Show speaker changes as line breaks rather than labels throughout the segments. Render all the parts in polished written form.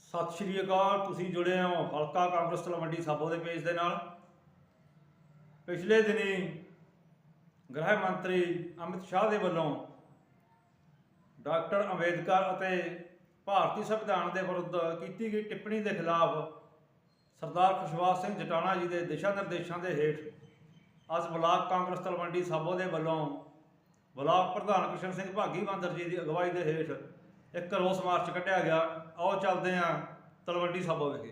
ਸਤਿ ਸ਼੍ਰੀ ਅਕਾਲ। ਤੁਸੀਂ ਜੁੜੇ ਹੋ ਹਲਕਾ ਕਾਂਗਰਸ ਤਲਵੰਡੀ ਸਾਬੋ ਦੇ ਪੇਜ ਦੇ ਨਾਲ। ਪਿਛਲੇ ਦਿਨੀ ਗ੍ਰਹਿ ਮੰਤਰੀ ਅਮਿਤ ਸ਼ਾਹ ਦੇ ਵੱਲੋਂ ਡਾਕਟਰ ਅੰਬੇਦਕਰ ਅਤੇ ਭਾਰਤੀ ਸੰਵਿਧਾਨ ਦੇ ਵਿਰੁੱਧ ਕੀਤੀ ਗਈ ਟਿੱਪਣੀ ਦੇ ਖਿਲਾਫ ਸਰਦਾਰ ਖੁਸ਼ਵਾਸ ਸਿੰਘ ਜਟਾਣਾ ਜੀ ਦੇ ਦਿਸ਼ਾ ਨਿਰਦੇਸ਼ਾਂ ਦੇ ਹੇਠ ਅੱਜ ਬਲਾਕ ਕਾਂਗਰਸ ਤਲਵੰਡੀ ਸਾਬੋ ਦੇ ਵੱਲੋਂ ਬਲਾਕ ਪ੍ਰਧਾਨ ਕਿਸ਼ਨ ਸਿੰਘ ਭਾਗੀ ਬਾਂਦਰ ਜੀ ਦੀ ਅਗਵਾਈ ਦੇ ਹੇਠ ਇੱਕ ਰੋਸ ਮਾਰਚ ਕੱਢਿਆ ਗਿਆ। ਆਓ ਚੱਲਦੇ ਹਾਂ ਤਲਵੰਡੀ ਸਾਬੋ ਵਿਖੇ।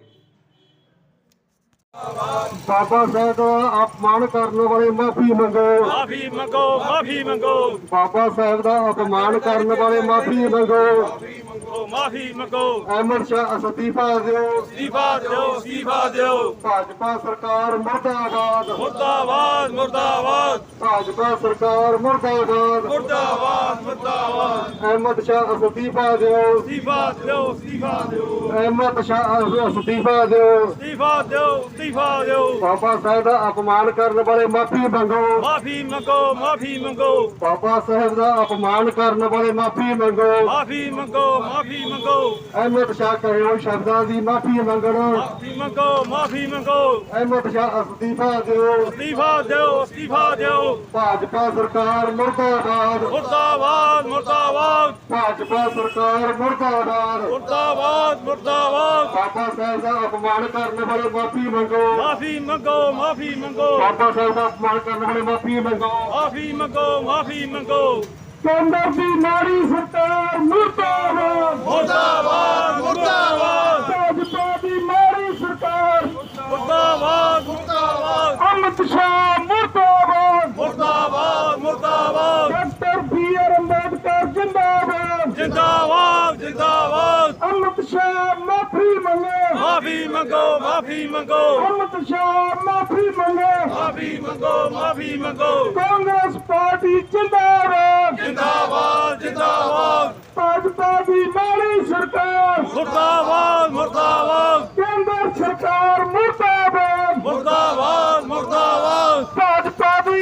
बाबा साहब का अपमान करने वाले माफी मंगो,
माफी मंगो, माफी मंगो।
बाबा साहब का अपमान करने वाले माफी मंगो,
माफी मंगो।
अहमद शाह इस्तीफा दो,
इस्तीफा दो, इस्तीफा दो।
भाजपा सरकार मुर्दाबाद,
मुर्दाबाद, मुर्दाबाद,
भाजपा सरकार मुर्दाबाद,
मुर्दाबाद, मुर्दाबाद।
अहमद शाह इस्तीफा दो,
इस्तीफा दो, इस्तीफा दो,
अहमद शाह इस्तीफा दो,
इस्तीफा दो, इस्तीफा दो।
बाबा साहब का अपमान करने वाले माफी मंगो,
माफी मंगो, माफी मंगो।
बाबा साहब का अपमान करने वाले माफी मंगो,
माफी मंगो, माफी मंगो।
अहमद शाह कहो शब्दां की माफी मंगो,
माफी मंगो, माफी मंगो।
अहमद शाह इस्तीफा दो,
इस्तीफा दो, इस्तीफा दो।
भाजपा सरकार मुर्दाबाद,
मुर्दाबाद, मुर्दाबाद,
भाजपा सरकार मुर्दाबाद,
मुर्दाबाद, मुर्दाबाद।
बाबा साहब का अपमान करने वाले माफी मंगो,
माफी मंगो, माफी मंगो।
बाबा साहब का अपमान करने वाले माफी मंगो,
माफी मंगो, माफी मंगो।
केंद्र की नारी सरकार मुर्दाबाद,
मुर्दाबाद, मुर्दाबाद,
भाजपा की नारी सरकार
मुर्दाबाद, मुर्दाबाद,
अमित शाह मुर्दाबाद,
मुर्दाबाद, मुर्दाबाद।
Doctor B R. अम्बेडकर जिंदाबाद,
जिंदाबाद, जिंदाबाद।
अमित शाह माफी मंगे,
माफी मंगो, माफी मंगो।
अमित शाह माफी मंगे,
माफी मंगो, माफी मंगो।
कांग्रेस पार्टी जिंदाबाद,
जिंदाबाद, जिंदाबाद।
भाजपा की नारी सरकार
मुर्दाबाद, मुर्दाबाद,
केंद्र सरकार मुर्दाबाद,
मुर्दाबाद, मुर्दाबाद।
भाजपा की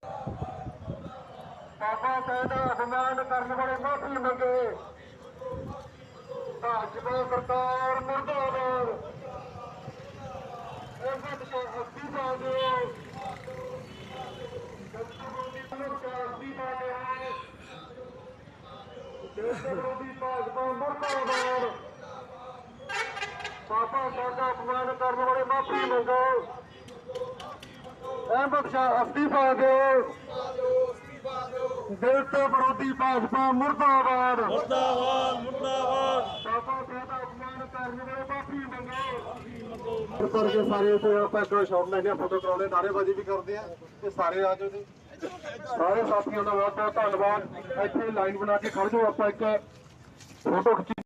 बाबा साहब का अपमान करने वाले माफी मंगे, भाजपा सरकार मुर्दाबाद, अहमद शाह इस्तीफा दो, इस्तीफा दो, देश विरोधी भाजपा मुर्दाबाद, बाबा साहब का अपमान करने वाले माफी मंगो, अहमद शाह इस्तीफा दो, देश विरोधी भाजपा मुर्दाबाद,
मुर्दाबाद, मुर्दाबाद।
बाबा साहब का अपमान करने वाले माफी मंगो। ਕਰਕੇ ਸਾਰੇ ਇੱਥੇ ਆਪਾਂ ਇੱਕ ਸ਼ਾਟ ਲੈਣੇ ਆ, ਫੋਟੋ ਕਰਾਉਣੇ, ਨਾਅਰੇਬਾਜ਼ੀ ਵੀ ਕਰਦੇ ਆ ਤੇ ਸਾਰੇ ਆ ਜਾਓ ਜੀ। ਸਾਰੇ ਸਾਥੀਆਂ ਦਾ ਬਹੁਤ ਬਹੁਤ ਧੰਨਵਾਦ। ਇੱਥੇ ਲਾਈਨ ਬਣਾ ਕੇ ਖੜ ਜਾਓ, ਆਪਾਂ ਇੱਕ ਫੋਟੋ ਖਿੱਚੀ।